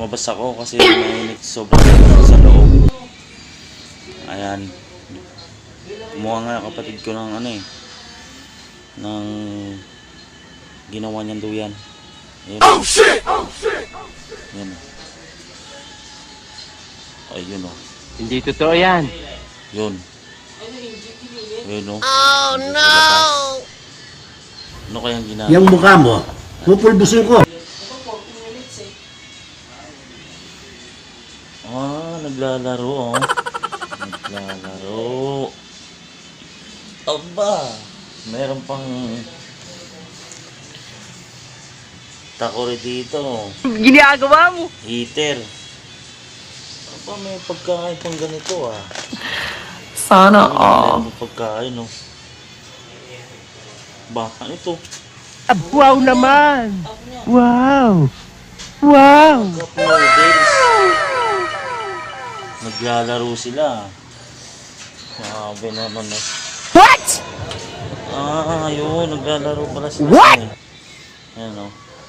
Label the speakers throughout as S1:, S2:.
S1: lumabas ako kasi mainit, sobrang init sa loob. Ayan. Kumuha nga yung kapatid ko ng ano eh, ng ginawa niyang duyan. Ayun. Oh shit! Oh shit! Ayun. Ayun oh.
S2: Hindi totoo yan.
S1: Yun. Ayun oh.
S3: Oh no!
S1: Ano kayang ginagawa?
S4: Yung mukha mo, pupulbusin ko.
S1: Naglalaro oh. Naglalaro. Aba, meron pang takore dito.
S2: Ginagawa mo.
S1: Heater. Aba, may pagkain pang ganito ah.
S5: Sana all.
S1: May pagkain oh. Ba, ano ito?
S2: Wow naman. Wow. Wow.
S1: Cup noodles. Naglalaro sila. Sabi naman eh.
S2: What?
S1: Ayun. Naglalaro pala sila.
S2: What?
S1: Ayan o.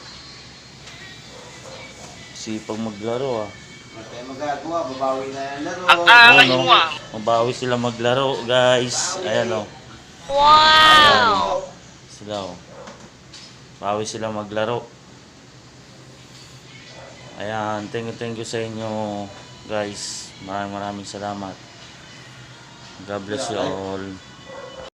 S1: Sipag maglaro ah.
S4: Kaya magagawa, babawi na yung laro.
S1: Ayan o. Mabawi sila maglaro guys. Ayan o.
S3: Wow!
S1: Sila o. Bawi sila maglaro. Ayan. Thank you sa inyo guys. Maraming salamat. God bless you all.